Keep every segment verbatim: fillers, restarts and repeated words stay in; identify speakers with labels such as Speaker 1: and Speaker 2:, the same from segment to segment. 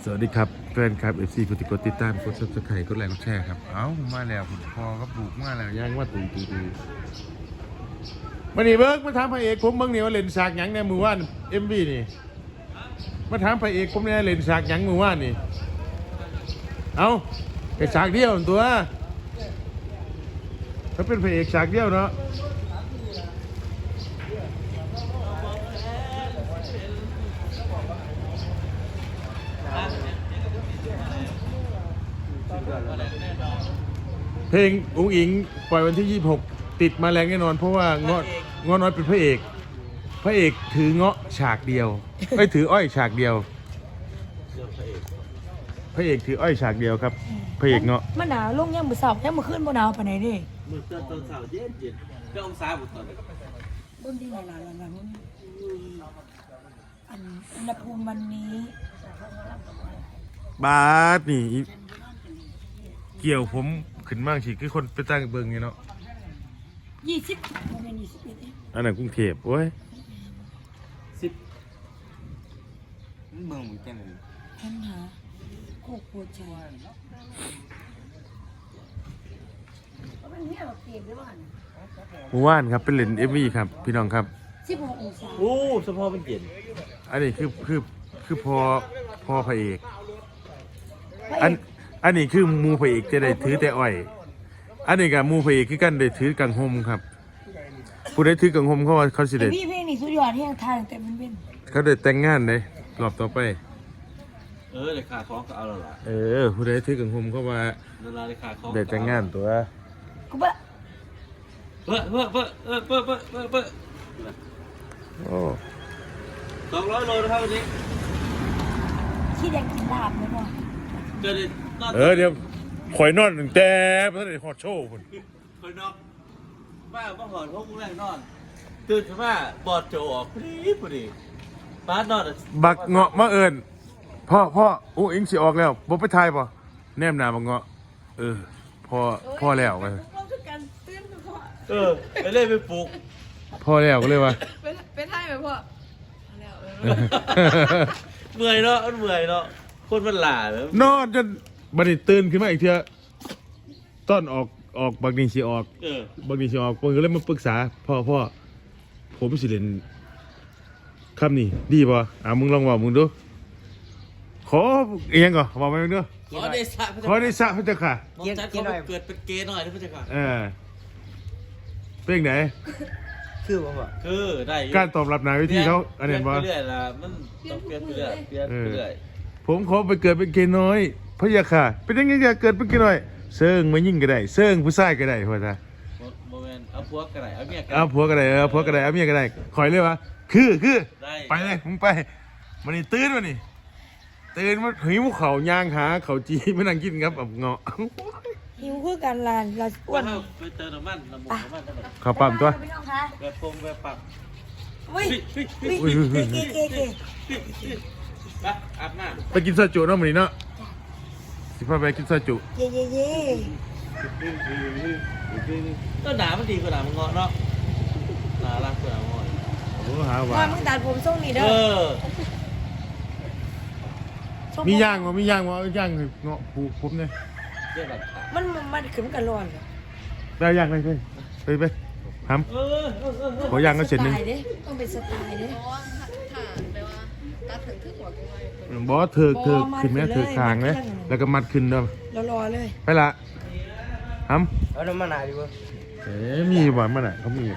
Speaker 1: สวัสดีครับแฟนครับเอฟซีกดติดกดติดตามกดซับสไครต์กดไลค์กดแชร์ครับเอ้ามาแล้วผมพอก็ปลูกมาแล้วย่างว่าตุยตุยตุยมาหนีเบิร์กมาถามพระเอกผมเบิ้งเนี่ยว่าเล่นฉากหยังในมือว่านเอ็มวีนี่มาถามพระเอกผมเนี่ยเล่นฉากหยังมือว่านนี่เอ้าแค่ฉากเดียวตัวเขาเป็นพระเอกฉากเดียวเนาะเพลงอุ้งอิงปล่อยวันที่ยี่สิบหกติดมาแรงแน่นอนเพราะว่าเงาะเงาะน้อยเป็นพระเอกพระเอกถือเงาะฉากเดียวไม่ถืออ้อยฉากเดียวพระเอกถืออ้อยฉากเดียวครับพระเอกเงาะ
Speaker 2: มันหนาวลงยังมือสอบยังมือขึ้นบนหนาวปานไหนดิ
Speaker 3: มือเตือนตอนเสาร์เย็นเย็นก็องศาบุตรตอนนี้
Speaker 2: บนที่ไหนหลานหลานอันอุณหภูมิวันนี้
Speaker 1: บาสนี่เกี่ยวผมขึ้นมากสิคือคนไปตั้งเบิงไงเนาะ
Speaker 2: ยี่สิบโมเมนต์ยี่สิบเอ็ด
Speaker 1: อันนั้นกรุงเทพโอ้ย
Speaker 3: สิบเมืองมึงแค่ไหน
Speaker 2: ปัญหาโคกปวดใจ
Speaker 1: หมู่บ้านครับเป็นเลนเอฟวีครับพี่น้องครับ
Speaker 2: สิบหกองศา
Speaker 3: โอ้เฉพาะเป็นเย็น
Speaker 1: อันนี้คือคือคือพอพอพระเอกอันอันนี้คือมูพระเอกจะได้ถือแต่อ้อยอันนี้กับมูพระเอกคือกันได้ถือกังหมครับผู้ได้ถือกังหมเขาว่าเขาสิได้
Speaker 2: พี่เพลงนี้สุดยอดที่ยังทานแต่มันเป็น
Speaker 1: เขาได้แต่งงานเลยรอบต่อไป
Speaker 3: เออเลยขาคล้องก็เอาแล้วล่ะ
Speaker 1: เออผู้ใดถือกังหมเขาว่าได้แต่งงานตัว
Speaker 2: กูบ้า
Speaker 3: เบ้อเบ้อเบ้อเออเบ้อเบ้อเบ้อเบ้อ
Speaker 1: โอ้
Speaker 3: สองร้อยโลนะครับวันนี้
Speaker 2: ขี้แดงกินลาบเลยพ่อ
Speaker 3: เกิด
Speaker 1: เออเดี๋ยวข่อยนอนตั้งแต่พระเดชฮอดโชว์คน
Speaker 3: ข่อยนอนบ้าบ้าหอนพวกกูแรงนอนตื่นขึ้นมาบอดโจออกพอดีพอดีป้านอน
Speaker 1: บักเงาะมาเอิญพ่อพ่ออุ้งอิงสิออกแล้วบ่ไปทายป่ะแนมหนาบักเงาะเออพ่อพ่อแล้วไป
Speaker 3: เออไปเล่นไปปลูก
Speaker 1: พ่อแล้วก็เลยว่า
Speaker 4: ไปทายไปพ่อ
Speaker 3: เมื่อยเนาะมันเมื่อยเนาะคนมันหล่าแล้ว
Speaker 1: นอนจนบัดนี้ตื่นขึ้นมาอีกเทื่อต้นออกออกบักนี่สิออก
Speaker 3: เออบ
Speaker 1: างทีสิออกเพิ่นก็เลยมาปรึกษาพ่อพ่อผมสิเล่นคำนี้ดีป่ะอ่ะมึงลองว่ามึงดูขอเอียงก่อนบอกมาดู
Speaker 3: ขอได้สะ
Speaker 1: ขอได้สะพระเจ้าค่ะ
Speaker 3: เกียร์หน่อยเกิดเป็นเกย์หน่อยนะพระเจ้าค่ะ
Speaker 1: เออเป็นไหน
Speaker 3: คือบ่ว่าคือได้
Speaker 1: การตอบรับนายวิธีเขาอันนี้บ่
Speaker 3: เรื่อยๆล่ะมันต้องเปลี่ยนไปเรื่อยเปลี่ยนไปเรื่อย
Speaker 1: ผมขอไปเกิดเป็นเกย์น้อยพระเจ้าค่ะเป็นยังไงจะเกิดเป็นเกย์น้อยเซิงมายิ่งก็ได้เซิงผู้ชายก็ได้พ่อจ้า
Speaker 3: โมเมนต์เอาผัวก็ได้เอาเมียก็
Speaker 1: ได้เอาผัวก็ได้เอาผัวก็ได้เอาเมียก็ได้คอยเลยวะคือคือไปเลยมึงไปมันนี่ตื่นมานี่ตื่นมาหิวเขาย่างหาเขาจีไม่นั่งกินครับแบบเงาะ
Speaker 2: หิวคือการลานเราอ้วน
Speaker 3: ไปเติมน้ำมันน้ำมันน้ำมัน
Speaker 1: ข้าวปั๊มตัว
Speaker 3: แบบปงแบบปัก
Speaker 2: เฮ้ยเก๋เก๋เก๋เก๋
Speaker 3: ไปอาบน้ำ
Speaker 1: ไปกินซาจุเนาะมันนี่เนาะสิพาไปกินซาจุ
Speaker 2: เย่เย่เย่
Speaker 3: ก็หนามันดีกว่าหนามันเงาะเนาะหนารักกว่าหนาเงาะ
Speaker 1: โอ้หาว่า
Speaker 2: มึงตัดผมทรงนี้เด้อ
Speaker 1: มีย่างวะมีย่างวะย่างเงาะผูผมเนี่ย
Speaker 2: มันมันขึ้นกันร้อน
Speaker 1: ได้ย่างไปเลยไปไปทำขอย่างก็เสร็จนึง
Speaker 2: ต้องเป็นสไตล์เด้
Speaker 1: บอสเธอเธอขึ้นไหมเธอคางไหมแล้วก็มัดขึ้นเด้อ
Speaker 2: รอรอเลย
Speaker 1: ไปละทำ
Speaker 3: เอาน้ำมันหนาดีกว่า
Speaker 1: เอ๊ะมีบ่อยมันอ่ะเขามี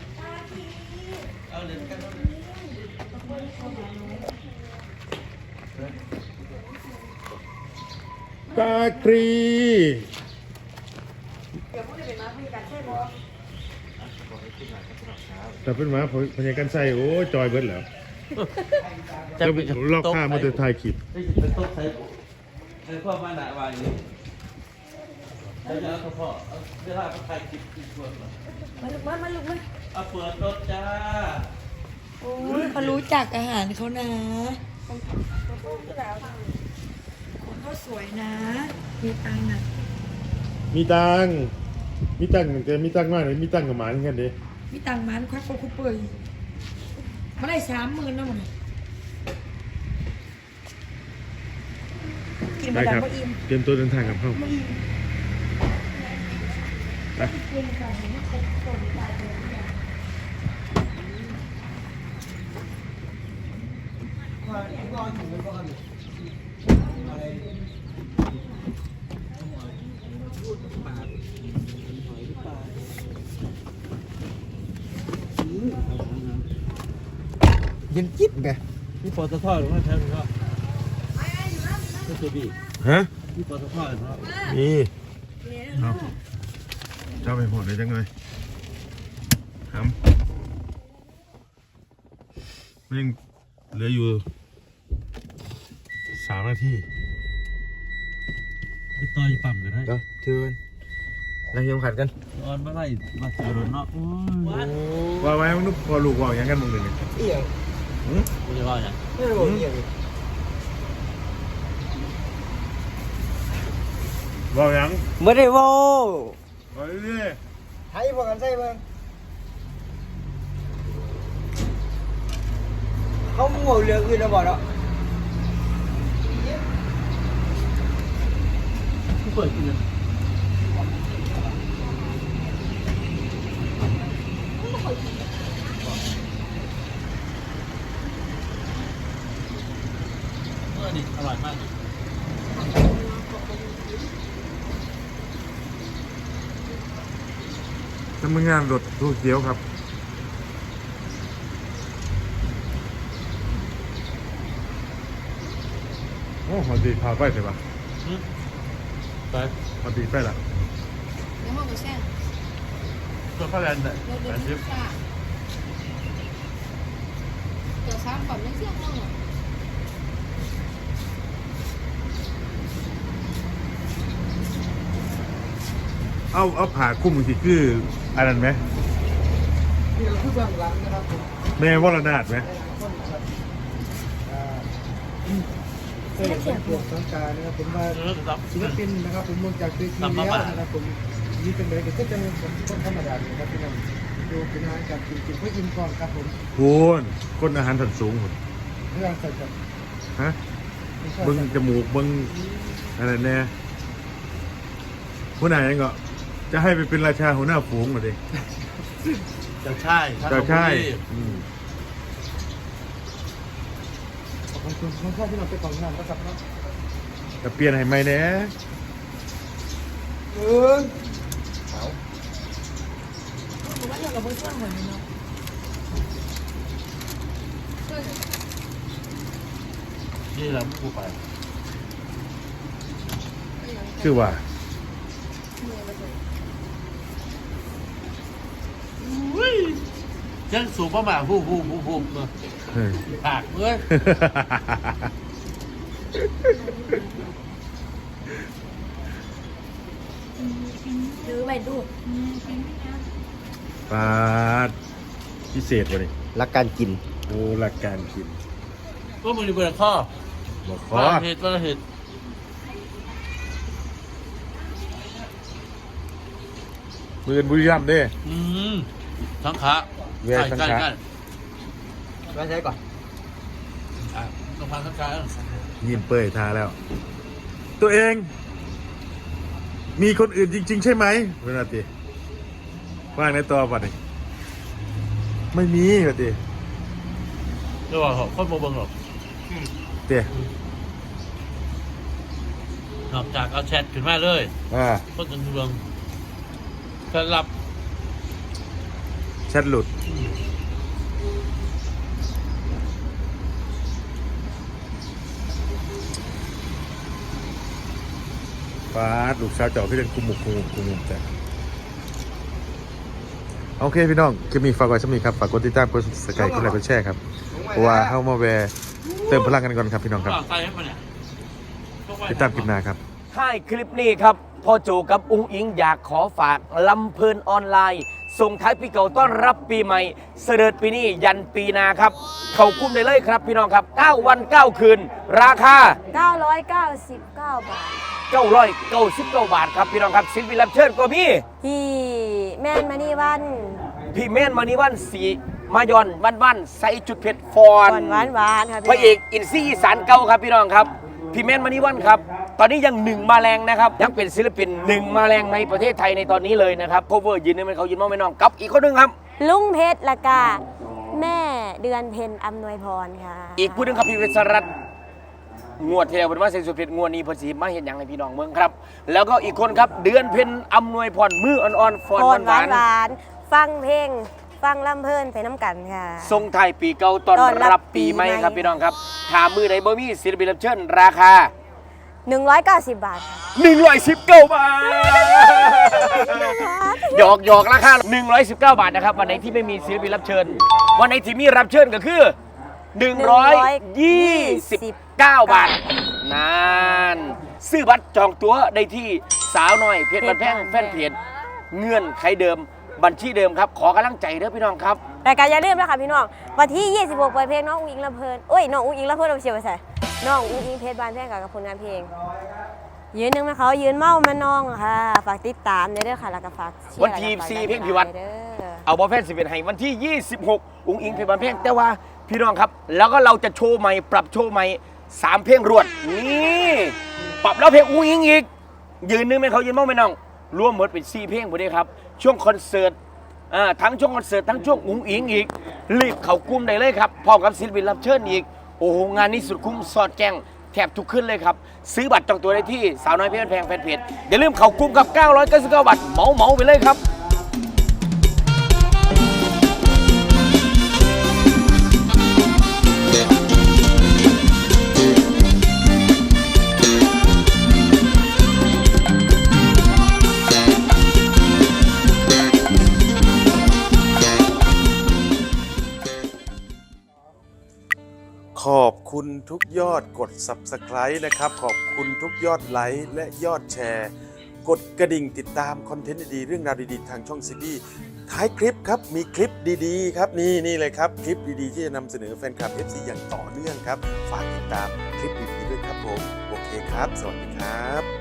Speaker 1: ตาครีแต่เป็นหมาพญากันใส่โอ้จอยเบิร์ดแล้วจะลอกข้ามาจะถ่ายคลิป
Speaker 3: เป็นโต๊ะใส่ใส่ข้อมาหนาวางอย่างนี้แล้วจะเอาพ่อเวลาเขาถ่ายคลิปอีกคน
Speaker 2: มาลุกมามาลุกมา
Speaker 3: เอาเปิดรถจ้า
Speaker 2: โอ้ยเขารู้จักอาหารเขานะเขาสวยนะมีตังค์นะ
Speaker 1: มีตังค์มีตังค์แต่มีตังค์มากเลยมีตังค์กับหมาเหมือนกันดิ
Speaker 2: มีตังค์มันควักเขาคุปเปอร์มาได้สามหมื่นนะมันกิน
Speaker 1: ไป
Speaker 2: มาดั
Speaker 1: ค
Speaker 2: ง
Speaker 1: รับ
Speaker 2: ก็อิ่ม
Speaker 1: เตรียมตัวเดินทางกับเข้าไป
Speaker 4: เย็นจิ๊บไง
Speaker 3: พี่ปอตทอดหรือว่าแทนก็ไม่เคยบี
Speaker 1: ฮะ
Speaker 3: พี่ปอตทอดหรือว่า
Speaker 1: มีเอาเจ้าไปหมดเลยจังเลยครับมันยังเหลืออยู่สามนาที
Speaker 3: ไปต่อยปั๊มกันให้
Speaker 4: เดี๋ยวเชิญเราเยี่ยมขัดกัน
Speaker 3: ออนมาไล่มาเจอรถเนาะโอ้ย
Speaker 1: ว่าไว้มึงนุ๊กพอลูกว่าอย่างกันมึงเลยเนี่ย
Speaker 4: เอี่ยง
Speaker 3: ไม่ได้ว่าอย่าง
Speaker 4: ไม่ได้บอกเอี่ยง
Speaker 1: ว่าอย่าง
Speaker 4: ไม่ได้บอก
Speaker 1: ว่าเรื่อย
Speaker 4: ให้พวกกันใช่เบิ่งเขาหมู่เรื่องอื่นแล้วบอกแล้ว
Speaker 3: ผู้เปิดกินเลยเมื่อนี่อร่อยมาก
Speaker 1: ทำงานรถทูเขียวครับโอ้พอดีพาไปใช่ปะ
Speaker 3: ไป
Speaker 1: พอดีไปละ
Speaker 2: แล้วห้องก็แช่ง
Speaker 3: ตัวข้าวแลนด์เนี่ย
Speaker 2: เรา
Speaker 3: แป
Speaker 2: เดิน
Speaker 3: ดสิบ
Speaker 2: ค่ะตัวซ้ำก่อนไม่เที่ยงห้องหรอ
Speaker 1: เอาเอาผ่าคุ้มสิคืออันนั้นไหม
Speaker 4: นี่เราคือเบื้องหลังนะครับผม
Speaker 1: แม่วรนาถไหม
Speaker 4: เออเป็นพวกสังการนะครับผมว่า
Speaker 3: เออรับ
Speaker 4: ศิลปินนะครับผมลงจากเวทีแล้วนะครับผมนี่เป็นเลยก็จะเป็นคนธรรมดาเลยครับพี่น้องดูเป็นอาหารการกินกินเพื่ออิ่มท้องครับผม
Speaker 1: พูนคนอาหารถันสูงพุ่น
Speaker 4: เรื่องใส่กับ
Speaker 1: ฮะเบิ้งจมูกเบิ้งอะไรแน่ผู้ไหนยังก็จะให้ไปเป็นราชาหัวหน้าฝูงมาดิ
Speaker 3: เจ้าช่าย
Speaker 1: เจ้าใช่อืม
Speaker 4: ขอบคุณคุณพ่อที่เราไปกองงานนะครับเนาะ
Speaker 1: จะเปลี่ยนให้ไหมแน่
Speaker 4: เออเอา
Speaker 2: ผมว่าเรากับเพื่อนเหมือนกันเนาะ
Speaker 3: นี่แหละผู้ไป
Speaker 1: คือว่า
Speaker 3: ยังสูงประมาณผู้ผู้ผู้ผู้เนอะ
Speaker 1: เฮ้ย
Speaker 3: ปากเอ้ย
Speaker 2: หรือไปดู
Speaker 1: ปาดพิเศษวะนี่
Speaker 4: รักการกิน
Speaker 1: โอ้หลักการกิน
Speaker 3: ก็มือเปิดข้อ
Speaker 1: บอกขอ
Speaker 3: ว่าเหตุว่าเหตุ
Speaker 1: มือบุรีรัมย์เด้
Speaker 3: อืมทั้งขา
Speaker 1: แย่ทั้งขา
Speaker 3: ใกล้ใกล้
Speaker 4: มาใช้ก่อน
Speaker 3: อ่ะต้องพันทั้งขา
Speaker 1: ยินเป้ยทาแล้ว ตัวเอง มีคนอื่นจริง ๆ ใช่ไหมเวลาตีว่างในตัวป่ะนี่ไม่มีป่ะตี
Speaker 3: เดี๋ยวว่าเขาคนโมเบิงหรอก
Speaker 1: เตี้ย
Speaker 3: นอกจากเอาแชทขึ้นมาเลย
Speaker 1: อ่า
Speaker 3: คนจนเบิงจะรับ
Speaker 1: แชทหลุดฟ้าดลูกสาวเจ้าพี่เล่นคุมหมุกคุมหมุกคุมหมุกแต่โอเคพี่น้องคลิปนี้ฝากไว้สักนิดครับฝากกดติดตามกดสกายกดไลค์กดแชร์ครับเพราะว่าเข้ามาแวร์เติมพลังกันก่อนครับพี่น้องครับ
Speaker 3: ใส่ให้มันเนี่ย
Speaker 1: ติดตามคลิปหน้าครับ
Speaker 5: ท้ายคลิปนี้ครับพ่อโจกับอุ้งอิงอยากขอฝากลำเพลินออนไลน์ ส่งท้ายปีเก่าต้อนรับปีใหม่ เสด็จปีนี้ยันปีหนาครับ เข้าคุ้มได้เลยครับพี่น้องครับ เก้า วัน เก้า คืน ราคา
Speaker 6: เก้าร้อยเก้าสิบเก้าบาท
Speaker 5: เก้าร้อยเก้าสิบเก้า บาทครับพี่น้องครับศิลปินรับเชิญก็มี
Speaker 6: พี่แม่นมานี่วัน
Speaker 5: พี่เม่นมานิวันสีมายอนวันวันใส่จุดเผ็ดฟอน
Speaker 6: ก่อนหวานหวานๆค่ะ
Speaker 5: พระเอกอินซี่อีสานเก่าครับพี่น้องครับ พี่เม่นมานิวันครับตอนนี้ยังหนึ่งมาแรงนะครับยังเป็นศิลปินหนึ่งมาแรงในประเทศไทยในตอนนี้เลยนะครับโคเวอร์ยืนนึงเป็นเขายืนมองไม่น้องกับอีกคนหนึงครับ
Speaker 6: ลุงเพชรละกาแม่เดือนเพ็ญอำนวยพรค่ะ
Speaker 5: อีกผู้หนึงครับพี่วิศรัตน์งวดเที่ยวเป็นว่าเซนสุเพชรงวดนี้เพอสีมาเห็นอย่างในพี่น้องเมืองครับ แล้วก็อีกคนครับเดือนเพ็ญอำนวยพรมืออ่อนๆฟอน
Speaker 6: พรหวาว
Speaker 5: หาน น
Speaker 6: หวานๆฟังเพลงฟังลำเพลินไปน้ำกันค่ะ
Speaker 5: ๆทรงไทายปีเก่าต้อน
Speaker 6: ต้อนรับ
Speaker 5: รับปีใหม่
Speaker 6: ปีใหม่
Speaker 5: ครับพี่น้องครับถามมือไหนบ่มีศิลปินรับเชิญราคา
Speaker 6: หนึ่งร้อยเก้าสิบบาทค่ะ
Speaker 5: หนึ่งร้อยสิบเก้าบาทหยอกหยอกราคาหนึ่งร้อยสิบเก้าบาทนะครับวันไหนที่ไม่มีศิลปินรับเชิญวันไหนที่มีรับเชิญก็คือหนึ่งร้อยยี่สิบเก้าบาทนานซื้อบัตรจองตั๋วได้ที่สาวน้อยเพชรบันแพงแฟนเพจเงื่อนไขเดิมบัญชีเดิมครับขอกำลังใจเด้อพี่น้องครับ
Speaker 6: รายการอย่าลืมนะคะพี่น้องวันที่ยี่สิบหกปล่อยเพลงน้องอุ้งอิงลำเพลินโอ้ยน้องอุ้งอิงลำเพลินเราเชียร์ไปใส่น้องอุ้งอิงเพชรบานแพงกับผลงานเพลงยืนหนึ่งมาเขายืนเมามาน้องค่ะฝากติดตามในเด้อค่ะแล้วก็ฝากเชียร์
Speaker 5: วันที่
Speaker 6: แล้วก็ฝาก
Speaker 5: สี่
Speaker 6: ดัน
Speaker 5: เพลงพิวัตร
Speaker 6: เด้อ
Speaker 5: เอาบอลแฟนสิบเอ็ดให้วันที่ยี่สิบหกอุ้งอิงเพลงบันเพลงแต่ว่าพี่น้องครับ แล้วก็เราจะโชว์ใหม่ปรับโชว์ใหม่สามเพลงรวดนี่ปรับแล้วเพลงอุ้งอิงอีกยืนหนึงเป็นเขายืนเมาไม่น้องรวมหมดเป็นสี่เพลงหมดเลยครับช่วงคอนเสิร์ตอ่าทั้งช่วงคอนเสิร์ตทั้งช่วงอุ้งอิงอีกรีบเข้ากลุ่มได้เลยครับพร้อมกับศิลปินรับเชิญอีกโอ้โหงานนี้สุดคุ้มสอดแจ้งแทบทุกขึ้นเลยครับซื้อบัตรจองตัวได้ที่สาวน้อยเพชรบันแพงแฟนเพจอย่าลืมเข้ากลุ่มกับเก้าร้อยเก้าสิบเก้าบาทเหมาเหมาไปเลยครับ
Speaker 1: ขอบคุณทุกยอดกด ซับสไครบ์ นะครับขอบคุณทุกยอดไลค์และยอดแชร์ กดกระดิ่งติดตามคอนเทนต์ดีๆเรื่องราวดีๆทางช่องซีบีท้ายคลิปครับมีคลิปดีๆครับนี่นี่เลยครับคลิปดีๆที่จะนำเสนอแฟนคลับ เอฟ ซี อย่างต่อเนื่องครับฝากติดตามคลิปดีๆด้วยครับผมโอเคครับสวัสดีครับ